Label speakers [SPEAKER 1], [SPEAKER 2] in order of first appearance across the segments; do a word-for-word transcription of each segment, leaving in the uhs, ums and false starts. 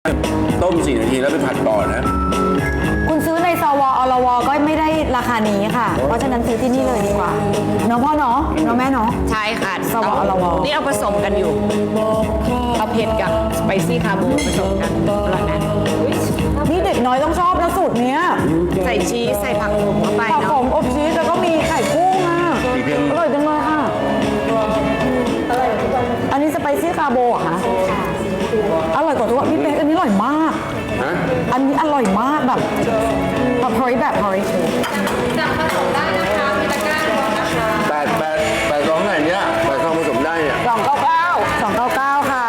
[SPEAKER 1] ต้มสี่นาทีแล้วไปผัดต่อนะ
[SPEAKER 2] คุณซื้อในสวอลวก็ไม่ได้ราคานี้ค่ะเพราะฉะนั้นซื้อที่นี่เลยดีกว่าเนาะพ่อเนาะเนาะแม่เนาะ
[SPEAKER 3] ใช่ค่ะ
[SPEAKER 2] สวอลว
[SPEAKER 3] นี่เอาผสมกันอยู่เอาเผ็ดกับสไปซี่คาร์โบผสมกันอร่อยนะ
[SPEAKER 2] นี่เด็กน้อยต้องชอบนะสูตรเนี้ย
[SPEAKER 3] ใส่ชีสใส่ผักโขมเข้าไป
[SPEAKER 2] ผัก
[SPEAKER 3] เนาะ
[SPEAKER 2] โขมอบชีสแล้วก็มีไข่กุ้งอ่ะอร่อยจังเลยค่ะอันนี้สไปซี่คาร์โบเหรอคะอร่อยกว่าทุกพี่เป๊กอันนี้อร่อยมากอันนี้อร่อยมากแบบแบบพอริแบบพอริ
[SPEAKER 4] สั่งผสมได้นะคะมีตะกร้าด้วยนะคะ
[SPEAKER 1] แปดแปดแปดสองไหนเนี่ยแปดสองผสมได้เนี่ย
[SPEAKER 2] สองเก้าเก้าสองเก้าเก้าค่ะ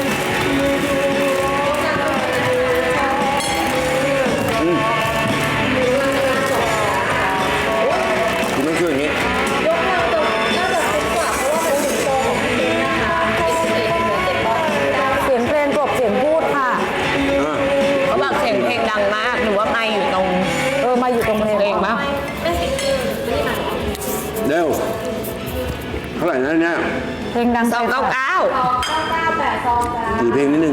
[SPEAKER 1] คุณต้องช่วยอย่างนี้
[SPEAKER 4] ยกเราตรงน่าจะคุ้มกว่าเพราะว่าเป็นสิงโตของพี่เองนะคะเป็นเสียงเหมือนเจ็ดบอลได้
[SPEAKER 2] เสียงเพลงกลบเสียงพูดค่ะ
[SPEAKER 3] เขาบอกเสียงเพลงดังมากหรือว่าไม่อยู่ตรง
[SPEAKER 2] เออมาอยู่ตรงเพลง
[SPEAKER 3] เพลงมั้ย
[SPEAKER 4] เป็นเสียงอื่นไม่ได้
[SPEAKER 1] เร็วเท่าไหร่นะเนี่ย
[SPEAKER 2] เพลงดัง
[SPEAKER 3] สองเก้าเก้า
[SPEAKER 4] สองเก้าเก้าแปดสองจ้า
[SPEAKER 1] ถือเพลงนิดนึง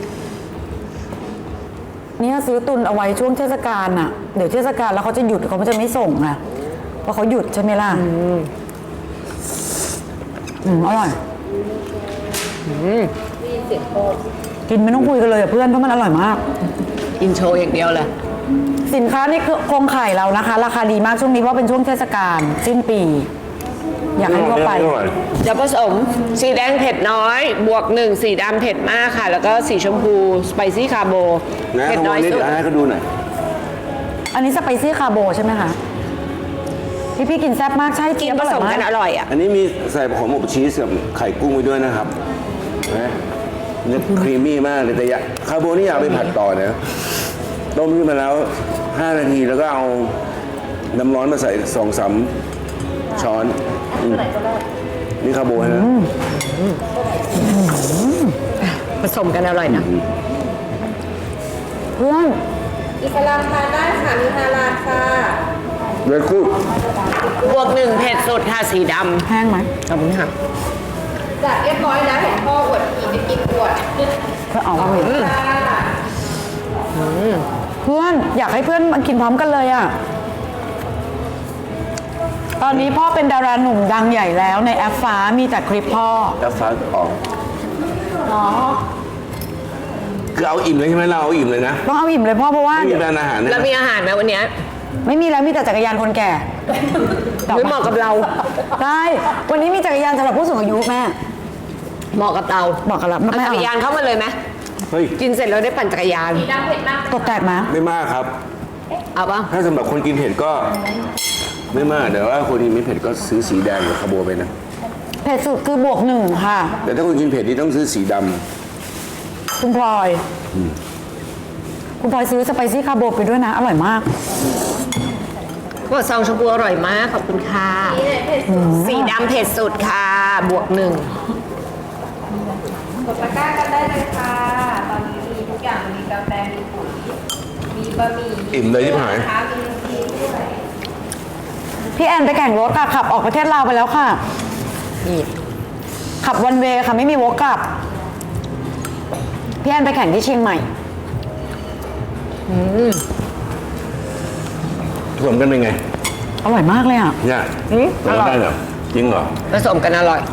[SPEAKER 2] เนี่ยซื้อตุนเอาไว้ช่วงเทศกาลน่ะเดี๋ยวเทศกาลแล้วเขาจะหยุดเขาจะไม่ส่งนะเพราะเขาหยุดใช่ไหมล่ะอืมอร่อยกินไม่ต้องคุยกันเลยเพื่อนเพราะมันอร่อยมาก
[SPEAKER 3] อินโทรอย่างเดียวเลย
[SPEAKER 2] สินค้านี่คือโครงไข่เรานะคะราคาดีมากช่วงนี้เพราะเป็นช่วงเทศกาลสิ้นปีอยากให้ทั่วไป
[SPEAKER 3] จะผสมสีแดงเผ็ดน้อยบวกหนึ่งสีดำเผ็ดมากค่ะแล้วก็สีชมพูสไปซี่คาร์โบ
[SPEAKER 1] เผ็ดน้อยสุดให้เขาดูหน่อย
[SPEAKER 2] อันนี้สไปซี่คาร์โบใช่ไหมคะพี่พี่กินแซ่บมากใช่
[SPEAKER 3] กินผสมกันอร่อยอ่ะ
[SPEAKER 1] อันนี้มีใส่ผงอบชีสกับไข่กุ้งไปด้วยนะครับนะเนี่ยครีมมี่มากเลยแต่ยาคาร์โบนี่อยากไปผัดต่อนะต้มขึ้นมาแล้วห้านาทีแล้วก็เอาน้ำร้อนมาใส่สองสามช้อนนี่คาร์โบนะ
[SPEAKER 3] ผสมกันอร่อยนะ
[SPEAKER 2] เพื่อน
[SPEAKER 4] อิสลามทานได้ค่ะมีฮาลาลค่ะ
[SPEAKER 1] เวลกูด
[SPEAKER 3] บวกหนึ่งเผ็ดสุดค่ะสีด
[SPEAKER 2] ำแห้งไหม
[SPEAKER 3] ขอบคุณค่ะ
[SPEAKER 4] จัดเรียบร้อยแล้วเห็นพ่ออวดผีไม่กินอวด
[SPEAKER 2] เพื่อนออกมาเลยเพื่อนอยากให้เพื่อนมากินพร้อมกันเลยอ่ะตอนนี้พ่อเป็นดาราหนุ่มดังใหญ่แล้วในแอปฟ้ามีแต่คลิปพ่อ
[SPEAKER 1] แอปฟ้าออก
[SPEAKER 2] อ๋อ
[SPEAKER 1] คือเอาอิ่มเลยใช่ไหมเราเอาอิ่มเลยนะ
[SPEAKER 2] ต้องเอาอิ่มเลยพ่อเพราะว่า
[SPEAKER 1] ไม่มีร้านอาหาร
[SPEAKER 3] แล้วมีอาหารไหมวันนี้
[SPEAKER 2] ไม่มีแล้วมีแต่จักรยานคนแก่
[SPEAKER 3] ไม่เหมาะกับเรา
[SPEAKER 2] ได้วันนี้มีจักรยานสำหรับผู้สูงอายุแม่
[SPEAKER 3] เหมาะกับเรา
[SPEAKER 2] เหมาะกับเรา
[SPEAKER 3] จักรยานเข้ามาเลยไหมกินเสร็จแล้วได้ปั่นจักรยาน
[SPEAKER 4] ดำเผ็ดมาก
[SPEAKER 2] ตกแตกไหม
[SPEAKER 1] ไม่มากครับ
[SPEAKER 3] เอาป่ะ
[SPEAKER 1] ถ้าสำหรับคนกินเผ็ดก็ไม่มากเดี๋ยวว่าคนกินไม่เผ็ดก็ซื้อสีแดงหรือคาร์โบไปนะ
[SPEAKER 2] เผ็ดสุดคือบวกหนึ่งค่ะ
[SPEAKER 1] แต่ถ้าคนกินเผ็ดนี่ต้องซื้อสีดำ
[SPEAKER 2] คุณพลอยคุณพลอยซื้อสไปซี่คาร์โบไปด้วยนะอร่อยมาก
[SPEAKER 3] ว่าซองชมพูอร่อยมากขอบคุณค่ะสีดำเผ็ดสุดค่ะบวกหนึ่ง
[SPEAKER 4] กดตะกร้ากันได้เลยค่ะตอนนี้มีทุกอย่างมีกาแฟมีปุ๋ยมีบะหมี่
[SPEAKER 1] อิ่มเลยที่หาย
[SPEAKER 2] พี่แอนไปแข่งรถค่ะขับออกประเทศลาวไปแล้วค่ะขับวันเวย์ค่ะไม่มีวกกลับพี่แอนไปแข่งที่เชียงใหม่
[SPEAKER 1] ผสมกันเป็นไง
[SPEAKER 2] อร่อยมากเลยอ่ะ
[SPEAKER 1] เนี่ยอร่อยได้เหรอจริงเหรอ
[SPEAKER 3] ผสมกันอร่อย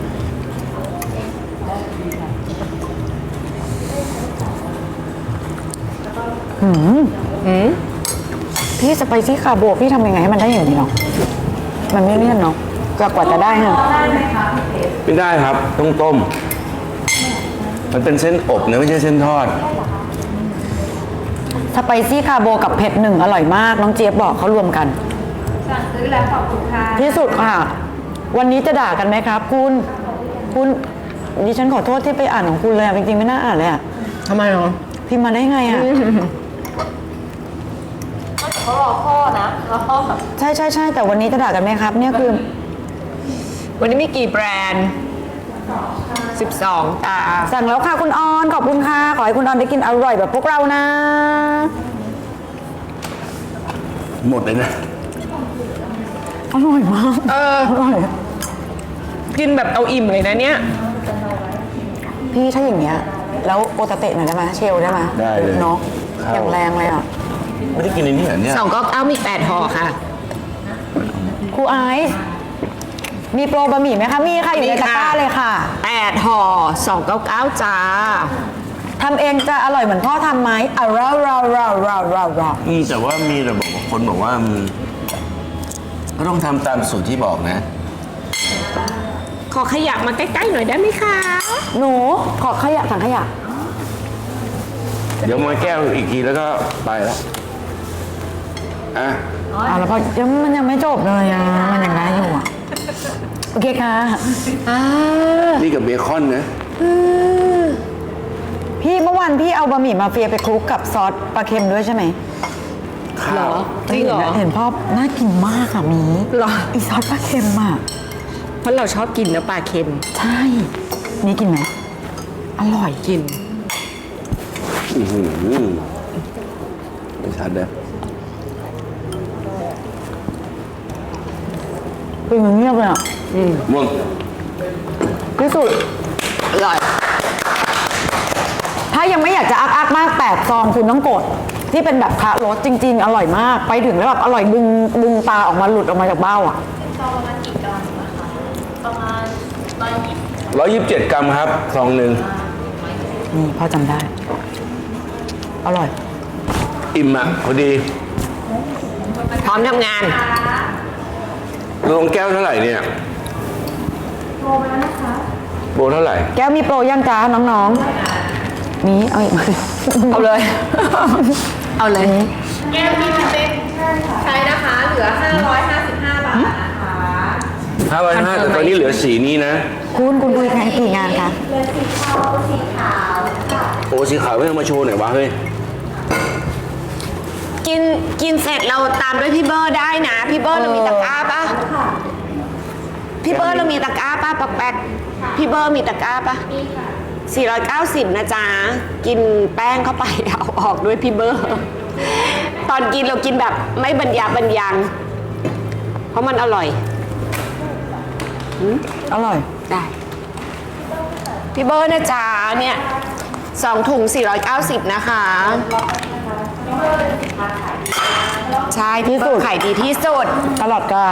[SPEAKER 2] หืมหืมพี่สไปซี่คาร์โบพี่ทำยังไงให้มันได้อย่างนี้เนาะมันไม่เลี่ยนเนาะกว่าจะได้ฮะ
[SPEAKER 1] ไม่ได้ครับต้องต้มมันเป็นเส้นอบนะไม่ใช่เส้นทอด
[SPEAKER 2] สไปซี่คาร์โบกับเผ็ดหนึ่งอร่อยมากน้องเจี๊ยบบอกเขารวมกัน
[SPEAKER 4] สั่งซื้อแล้วขอบคุณค่ะ
[SPEAKER 2] ที่สุดค่ะวันนี้จะด่ากันไหมครับคุณคุณดิฉันขอโทษที่ไปอ่านของคุณเลยจริงๆไม่น่าอ่านเลยอ่ะ
[SPEAKER 3] ทำไมเนาะ
[SPEAKER 2] พิมพ์มาได้ไงอ่ะ
[SPEAKER 4] เขารอพ่อนะรอพ่อ
[SPEAKER 2] ใช่ใช่ใช่แต่วันนี้จะด่ากันไหมครับเนี่ยคือ
[SPEAKER 3] วันนี้มีกี่แบรนด์สิบสองตา
[SPEAKER 2] สั่งแล้วค่ะคุณออนขอบคุณค่ะขอให้คุณออนได้กินอร่อยแบบพวกเรานะ
[SPEAKER 1] หมดเลยนะ
[SPEAKER 2] อร่อยมาก
[SPEAKER 3] เออ
[SPEAKER 2] อร่อย
[SPEAKER 3] กินแบบเอาอิ่มเลยนะเนี่ย
[SPEAKER 2] พี่ถ้าอย่างเงี้ยแล้วโอตาเตะหน่อยได้ไหมเชลได้ไหม
[SPEAKER 1] ได้เลย
[SPEAKER 2] เนาะ
[SPEAKER 1] เข้า
[SPEAKER 2] อย่างแรงเลยอ่ะ
[SPEAKER 1] ไม่ได้กินในนี้เหรอเนี่ย
[SPEAKER 3] สองเก้าเก้ามีแปดห่อค่ะ
[SPEAKER 2] ครูไอซ์มีโปรบะหมี่ไหมคะ มีค่ะอยู่ในตะกร้าเลยค่ะ
[SPEAKER 3] แปดห่อสองเก้าเก้าจ้า
[SPEAKER 2] ทำเองจะอร่อยเหมือนพ่อทำไหมอ่ะเราเราเราเราเราเรา
[SPEAKER 1] อืมแต่ว่ามีแต่บอกว่าคนบอกว่ามันก็ต้องทำตามสูตรที่บอกนะ
[SPEAKER 3] ขอขยับมาใกล้ๆหน่อยได้ไหมคะ
[SPEAKER 2] หนูขอขยะถังขยะ
[SPEAKER 1] เดี๋ยวมาแก้วอีกทีแล้วก็ไปแล้วอ่ะ
[SPEAKER 2] อ่ะแล้วพอยังมันยังไม่จบเลยอ่ะมันยังได้อยู่อ่ะโอเคค่ะ
[SPEAKER 3] อ่า
[SPEAKER 1] นี่กับเบคอนนะ
[SPEAKER 2] พี่เมื่อวานพี่เอาบะหมี่มาเฟียไปคลุกกับซอสปลาเค็มด้วยใช่ไหม
[SPEAKER 3] เหรอจริงเหรอ
[SPEAKER 2] เห็นพ่อน่ากินมากค่ะมี
[SPEAKER 3] เหรอ
[SPEAKER 2] อีซอสปลาเค็มอ่ะ
[SPEAKER 3] เพราะเราชอบกินเนื้อปลาเค็ม
[SPEAKER 2] ใช่นี่กินไหมอร่อย
[SPEAKER 3] กิน
[SPEAKER 1] อือหือไม่ชัดเลย
[SPEAKER 2] เป็นเงียบเลยอ่ะ
[SPEAKER 1] ม่วง
[SPEAKER 2] ที่สุด
[SPEAKER 3] อร่อย
[SPEAKER 2] ถ้ายังไม่อยากจะอักอักๆมากแปดซองคุณต้องกด ที่เป็นแบบคารสจริง ๆ อร่อยมาก ไปถึงแล้วแบบอร่อยดึงดึงตาออกมาหลุดออกมาจากเบ้าอ่ะ
[SPEAKER 4] ซองประมาณกี่กรัมนะคะประมาณร้อยยี่สิบ
[SPEAKER 1] ร้อยยี่สิบเจ็ดกรัมครับซองหนึ่ง
[SPEAKER 2] นี่พ่อจำได้ อร่อย
[SPEAKER 1] อิ่มอ่ะพอดี
[SPEAKER 3] พร้อมทำงาน
[SPEAKER 1] ลงแก้วเท่าไหร่เนี่ยโบแล้วนะคะโบเท่าไหร่
[SPEAKER 2] แก้วมีโปรย่างจ้าน้องๆ มีเอาอีกไหม
[SPEAKER 3] เอาเลย เอาเลย
[SPEAKER 4] แก้วที่พี่เป๊กใช้นะคะ เหลือ ห้าร้อยห้าสิบห้า บาทนะคะ
[SPEAKER 1] ห้าร้อยห้าแต่ตอนนี้เหลือสีนี้นะ
[SPEAKER 2] คุณคุณคุยแค่กี่งานคะ
[SPEAKER 4] เหลือสีขาวสีขาวค่ะ
[SPEAKER 1] โอ้สีขาวไม่เอามาโชว์หน่อยวะเฮ้ย
[SPEAKER 3] กินกินเสร็จเราตามด้วยพี่เบอร์ได้นะ พี่เบอร์เรามีตะกร้าปะพี่เบอร์เรามีตะกร้าปะปักแป๊กพี่เบอร์มีตะกร้าปะ
[SPEAKER 4] นี่ค่ะ
[SPEAKER 3] สี่ร้อยเก้าสิบนะจ๊ะ กินแป้งเข้าไป เอาออกด้วยพี่เบอร์ ตอนกินเรากินแบบไม่บรรยาบรรยัง เพราะมันอร่อย
[SPEAKER 2] อร่อย
[SPEAKER 3] ได้ พี่เบอร์นะจ๊ะเนี่ยสองถุงสี่ร้อยเก้าสิบนะคะ ใช่พี่เบอร์ขายดีที่สุด
[SPEAKER 2] ตลอดการ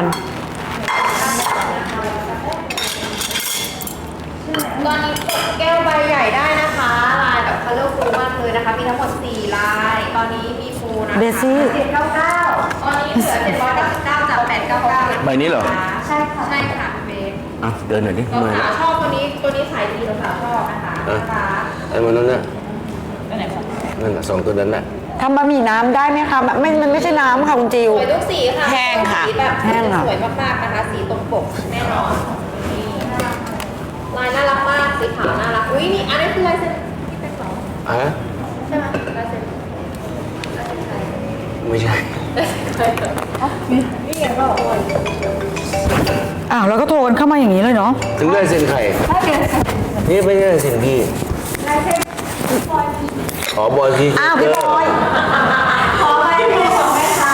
[SPEAKER 4] ตอนนี้กดแก้วใบใหญ่ได้นะคะ ลายแบบ colorful มากเลยนะคะ มีทั้งหมดสี่ลาย ตอนนี้มีฟูนะคะ
[SPEAKER 2] เดซี่
[SPEAKER 4] เจ็ดเก้าเก้าตอนนี้เหลือเจ็ดร้อยเก้าสิบเก้าจากแปดเก้าเก้า
[SPEAKER 1] ใบนี้เหรอ
[SPEAKER 4] ใช่ค่ะ ใช่ค่ะเบส
[SPEAKER 1] อ่ะเดินหน่อยดิ
[SPEAKER 4] เรา
[SPEAKER 1] ทำไม
[SPEAKER 4] สาวชอบตัวนี้ ตัวนี้ขายดีเราสาวชอบนะคะ
[SPEAKER 1] อ่ะ
[SPEAKER 4] นะคะ
[SPEAKER 1] ไอ้มันนั่นน่ะนั่นน่ะสองตัวนั้นน่ะ
[SPEAKER 2] ทำบะหมี่น้ำได้ไหมคะแบบไม่มันไม่ใช่น้ำค่ะคุณจิว
[SPEAKER 4] สวยทุกสีค่ะ
[SPEAKER 3] แห้งค่ะ
[SPEAKER 4] สีแบบ
[SPEAKER 2] แห้งค่ะ
[SPEAKER 4] สวยมากๆนะคะ สีตรงปกแน่นอนนี่ลายน่ารักมาก สีขาวน่ารัก อุ้ยนี่อันนี้คือลายเซ็นที่เป็นสอง
[SPEAKER 1] ฮะ
[SPEAKER 4] ใช่ไหมลายเซ็นลายเซ็นใคร
[SPEAKER 1] ไม่ใช่
[SPEAKER 4] นี่ไงก็บอกว่า
[SPEAKER 2] อ้าวแล้วก็โทรกันเข้ามาอย่างนี้เลยเนาะ
[SPEAKER 1] ถึงได้เซ็นไข่นี่ไม่ใช่เซ็นพี่อ๋อบอยพี่
[SPEAKER 2] อ้าวพี่บอย
[SPEAKER 4] ขอลายเซ็นของแม่ค้า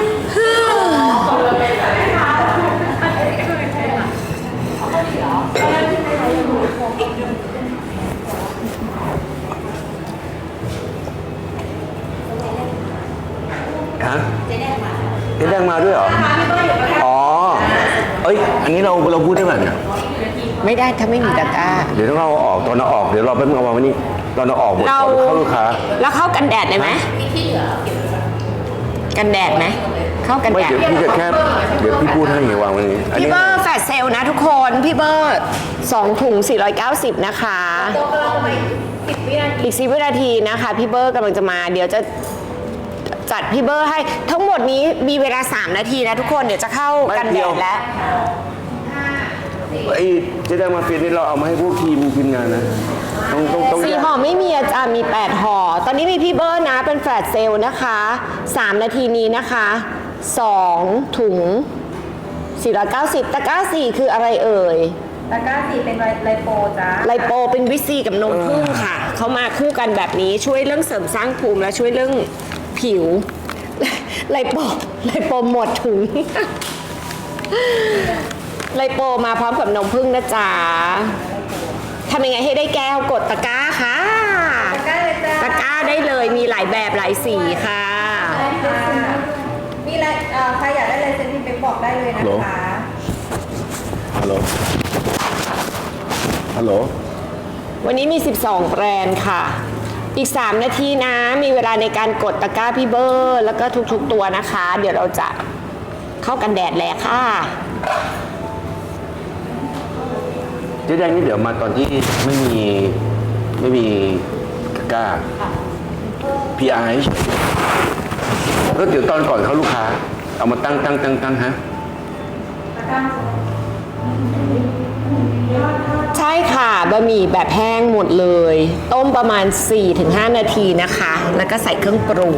[SPEAKER 1] ฮะเจ๊แดงมาเจ๊แดงมาด้วยเหรอ อ๋อ เอ้ย อันนี้เราเราพูดได้ไหมเนี่ย
[SPEAKER 3] ไม่ได้ถ้าไม่มีตะกร้า
[SPEAKER 1] เดี๋ยวต้องเอาออกตอนเราออก เดี๋ยวเราแป๊บนึงเอาวางไว้นี่ตอนเราออกหมด
[SPEAKER 3] เรา
[SPEAKER 1] ก่อนเข้าลูกค้า
[SPEAKER 3] แล้วเข้ากันแดดได้ไหมกันแดดไหม เข้ากัน
[SPEAKER 1] ไม่
[SPEAKER 3] แดด
[SPEAKER 1] เดี๋ยวพี่จะแค่ เดี๋ยวพี่พูดให้ไงวางไว้นี่อัน
[SPEAKER 3] พี่
[SPEAKER 1] นี้
[SPEAKER 3] เบอร์แฟลชเซลนะทุกคน พี่เบอร์สองถุงสี่ร้อยเก้าสิบนะคะ
[SPEAKER 4] ตัวกำลังไปสิบวินาที
[SPEAKER 3] อีกสิบวินาทีนะคะ พี่เบอร์กำลังจะมา เดี๋ยวจะจัดพี่เบอร์ให้ทั้งหมดนี้มีเวลา สาม นาทีนะทุกคนเดี๋ยวจะเข้ากันแดดแล้ว
[SPEAKER 1] ไอ้เจ๊แดงมาเฟียนี่เราเอามาให้พวกทีมทีมงานนะ ต้องต้องต้อง
[SPEAKER 3] สี่
[SPEAKER 1] แยก
[SPEAKER 3] ห่อไม่มีอาจารย์มีแปดห่อ ตอนนี้มีพี่เบอร์นะเป็นแฟลชเซลนะคะ สาม นาทีนี้นะคะสองถุงสี่ร้อยเก้าสิบตะกร้าสี่คืออะไรเอ่ย
[SPEAKER 4] ตะกร้าสีเป็นไลโปจ้า
[SPEAKER 3] ไลโปเป็นวิตซีกับนมผึ้งค่ะ เขามาคู่กันแบบนี้ช่วยเรื่องเสริมสร้างภูมิและช่วยเรื่องผิว ไลโปไลโปหมดถุง ไลโปมาพร้อมกับนมผึ้งนะจ๊ะทำยังไงให้ได้แก้วกดตะกร้าค่ะร้าได้เลยมีหลายแบบหลายสีค่ะ
[SPEAKER 4] มีอะไรเอ่อใครอยากได้ลายเซ็นพี่เป๊กบอกได้เลยนะคะ
[SPEAKER 1] ฮัลโหล ฮัลโหล
[SPEAKER 3] วันนี้มี สิบสอง แบรนด์ค่ะ อีก สาม นาทีนะ มีเวลาในการกดตะกร้าพี่เบอร์ แล้วก็ทุกๆตัวนะคะ เดี๋ยวเราจะเข้ากันแดดแล้วค่ะ
[SPEAKER 1] เจ๊แดงนี่เดี๋ยวมาตอนที่ไม่มีไม่มีกล้า พี อาร์ ให้เฉยก็เดี๋ยวตอนก่อนเข้าลูกค้า เอามาตั้งตั้งตั้งตั้งฮะ
[SPEAKER 3] ใช่ค่ะบะหมี่แบบแห้งหมดเลย ต้มประมาณ สี่ถึงห้า นาทีนะคะ แล้วก็ใส่เครื่องปรุง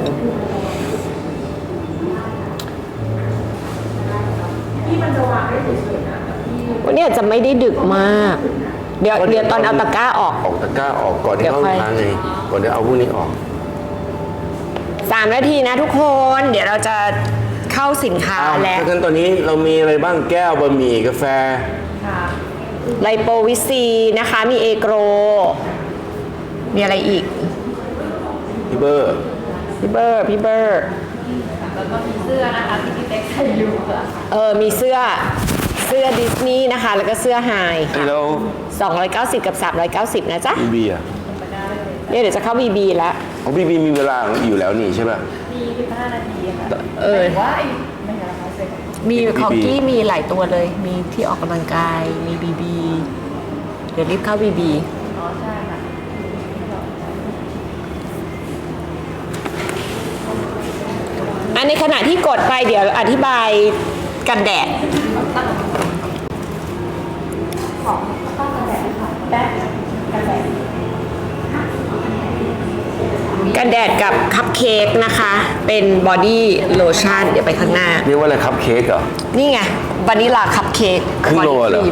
[SPEAKER 3] วันนี้อาจจะไม่ได้ดึกมาก เดี๋ยวเดี๋ยวตอนเอาตะกร้าออก
[SPEAKER 1] ออกตะกร้าออกก่อนที่เข้าลูกค้าไง ก่อนที่เอาพวกนี้ออก
[SPEAKER 3] สาม นาทีนะทุกคน เดี๋ยวเราจะเข้าสินค้า
[SPEAKER 1] อ้าว
[SPEAKER 3] แล้ว
[SPEAKER 1] ถ้างั้นตอนนี้เรามีอะไรบ้างแก้วบะหมี่กาแฟ
[SPEAKER 3] ไลโปวิซีนะคะ มีเอโกร มีอะไรอีก
[SPEAKER 1] พี่เบอร์
[SPEAKER 3] พี่เบอร์ พี่เบอร์
[SPEAKER 4] แล้วก็มีเสื้อนะคะที่พี่เป๊กใส่อยู่ค่ะ
[SPEAKER 3] เออ มีเสื้อ เสื้อดิสนีย์นะคะ แล้วก็เสื้อไฮ
[SPEAKER 1] ไอ้เรา
[SPEAKER 3] สองร้อยเก้าสิบกับสามร้อยเก้าสิบนะจ๊ะ
[SPEAKER 1] บีบีอ่ะ
[SPEAKER 3] เนี่ยเดี๋ยวจะเข้าบีบีแล้ว
[SPEAKER 1] ของบีบีมีเวลาอยู่แล้วนี่ใช่ป่ะ
[SPEAKER 4] มีสิบห้านาทีค่ะ
[SPEAKER 3] เออ
[SPEAKER 4] ว่าไอ้ไม่ใช่ราคาเซ็น
[SPEAKER 3] มี
[SPEAKER 1] บีบี
[SPEAKER 3] ของกี้มีหลายตัวเลย มีที่ออกกำลังกาย มีบีบี เดี๋ยวรีบเข้าบีบี
[SPEAKER 4] อ๋อใช่ค่ะ
[SPEAKER 3] อันในขณะที่กดไปเดี๋ยวอธิบายกันแดด กันแดดกับคัพเค้กนะคะ เป็นบอดี้โลชั่นเดี๋ยวไปข้างหน้า
[SPEAKER 1] เรียกว่าอะไรคัพเค้กเหรอ
[SPEAKER 3] นี่ไงวานิลาคัพเค้ก
[SPEAKER 1] ครึ่งโลเหรอ
[SPEAKER 3] บดี้คม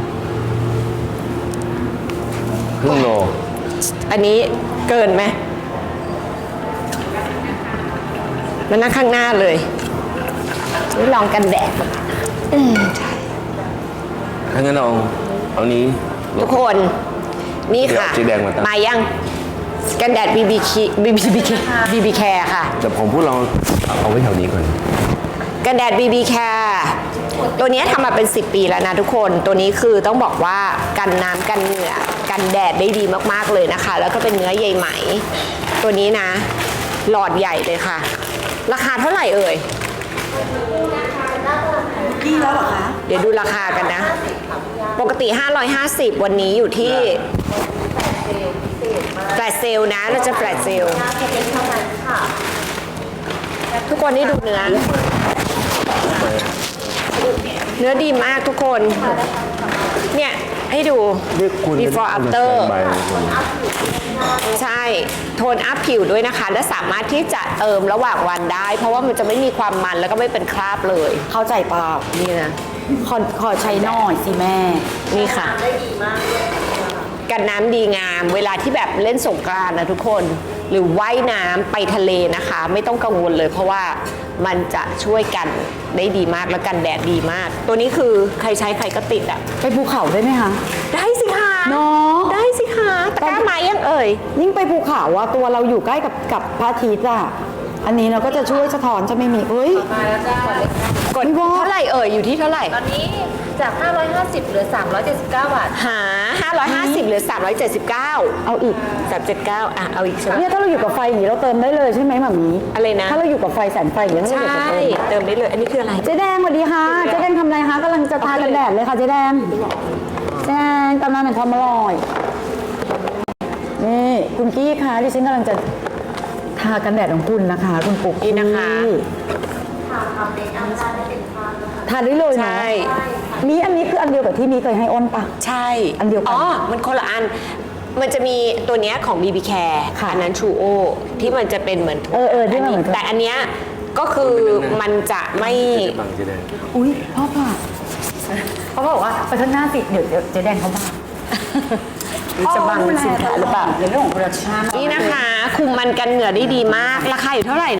[SPEAKER 1] ครึ่งโล
[SPEAKER 3] อันนี้เกินไหมมันนั่งข้างหน้าเลยนี่ลองกันแดดอืม
[SPEAKER 1] ถ้างั้นเอาเอานี้
[SPEAKER 3] ทุกคนนี่ค่ะ
[SPEAKER 1] เดี๋ยวสีแดงมาตั้ง
[SPEAKER 3] มายังกันแดด บี บี บี บี บี บี บี แคร์ค่ะ
[SPEAKER 1] แต่ผมพูดเราเอาไว้แถวนี้ก่อน
[SPEAKER 3] กันแดด บี บี แคร์ ตัวนี้ทำมาเป็น สิบ ปีแล้วนะทุกคน ตัวนี้คือต้องบอกว่ากันน้ำกันเหงื่อกันแดดได้ดีมากๆเลยนะคะ แล้วก็เป็นเนื้อใยไหม ตัวนี้นะ หลอดใหญ่เลยค่ะ ราคาเท่าไหร่เอ่ย
[SPEAKER 2] กี่แล้วเหรอคะ
[SPEAKER 3] เดี๋ยวดูราคากันนะ ปกติ ห้าร้อยห้าสิบ วันนี้อยู่ที่แฟลชเซลนะ เราจะแฟลชเซล ทุกคนนี่ดูเนื้อ เนื้อดีมากทุกคน เนี่ย ให้ดู
[SPEAKER 1] เรียกคุณ
[SPEAKER 3] before
[SPEAKER 1] เป็น
[SPEAKER 3] after
[SPEAKER 1] แฟนใบคน
[SPEAKER 3] ใช่ โทนอัพผิวด้วยนะคะ และสามารถที่จะเติมระหว่างวันได้ เพราะว่ามันจะไม่มีความมันแล้วก็ไม่เป็นคราบเลย
[SPEAKER 2] เข้าใจเปล่า
[SPEAKER 3] นี่นะ
[SPEAKER 2] ขอขอใช้หน่อยสิแม่
[SPEAKER 3] นี่ค่ะ กันน้ำดีงาม เวลาที่แบบเล่นสงกรานต์นะทุกคน หรือว่ายน้ำไปทะเลนะคะ ไม่ต้องกังวลเลย เพราะว่ามันจะช่วยกันได้ดีมากแล้วกันแดดดีมาก ตัวนี้คือใครใช้ใครก็ติดอ่ะ
[SPEAKER 2] ไปภูเขาได้ไหมคะ
[SPEAKER 3] ได้สิคะ
[SPEAKER 2] เนาะ
[SPEAKER 3] ได้สิคะตะกร้าไม้ยังเอ่ย
[SPEAKER 2] ยิ่งไปภูเขาว่าตัวเราอยู่ใกล้กับกับพระอาทิตย์อ่ะ อันนี้เราก็จะช่วยสะท้อนจะไม่มีเฮ้ย
[SPEAKER 4] มาแล้วจ้าก
[SPEAKER 3] ดเท่าไหร่เอ่ยอยู่ที่เท่าไหร่
[SPEAKER 4] ตอนนี้จาก ห้าร้อยห้าสิบเหลือ สามร้อยเจ็ดสิบเก้า บาท
[SPEAKER 3] หา ห้าร้อยห้าสิบเหลือ สามร้อยเจ็ดสิบเก้า
[SPEAKER 2] เอาอีก
[SPEAKER 3] สามเจ็ดเก้าอ่ะ เอาอีกใช่ไหม
[SPEAKER 2] เนี่ยถ้าเราอยู่กับไฟอย่างนี้เราเติมได้เลยใช่ไหมหมามี
[SPEAKER 3] อะไรนะ
[SPEAKER 2] ถ้าเราอยู่กับไฟแสงไฟอย่างนี้ถ้า
[SPEAKER 3] ใช่
[SPEAKER 2] เราอยากจะเติม
[SPEAKER 3] เติมได้เลย อันนี้คืออะไร
[SPEAKER 2] เจ๊แดงสวัสดีค่ะ เจ๊แดงทำอะไรคะกำลังจะทากันแดดเลยค่ะเจ๊แดงเจ๊แดงตำนานแห่งความอร่อย นี่คุณกี้คะดิฉันกำลังจะทากันแดดของคุณนะคะ คุณปุ๊ก
[SPEAKER 3] นี่นะคะ
[SPEAKER 2] ทาได้เลยนะ
[SPEAKER 3] ใช่
[SPEAKER 2] มีอันนี้คืออันเดียวกับที่มีเคยให้อ้นปะ
[SPEAKER 3] ใช่
[SPEAKER 2] อันเดียวกัน
[SPEAKER 3] อ๋อ มันคนละอัน มันจะมีตัวเนี้ยของ บี บี Care
[SPEAKER 2] ค่ะ
[SPEAKER 3] อันนั้น True O ที่มันจะเป็นเหมือน
[SPEAKER 2] เออเออที่มันเหมือน
[SPEAKER 3] แต่อันเนี้ยก็คือมันจะไม่
[SPEAKER 1] บังเจ๊แดง
[SPEAKER 2] อุ้ยพ่อป่ะเขาบอกว่าไปข้างหน้าสิเดี๋ยวเดี๋ยวเจ๊แดงเขาบ้า
[SPEAKER 3] จะบังสินค้าหรือเปล่า
[SPEAKER 2] ในเรื่องของโปรดักชั่น
[SPEAKER 3] นี่นะคะ คุมมันกันเหงื่อได้ดีมาก ราคาอยู่เท่าไหร่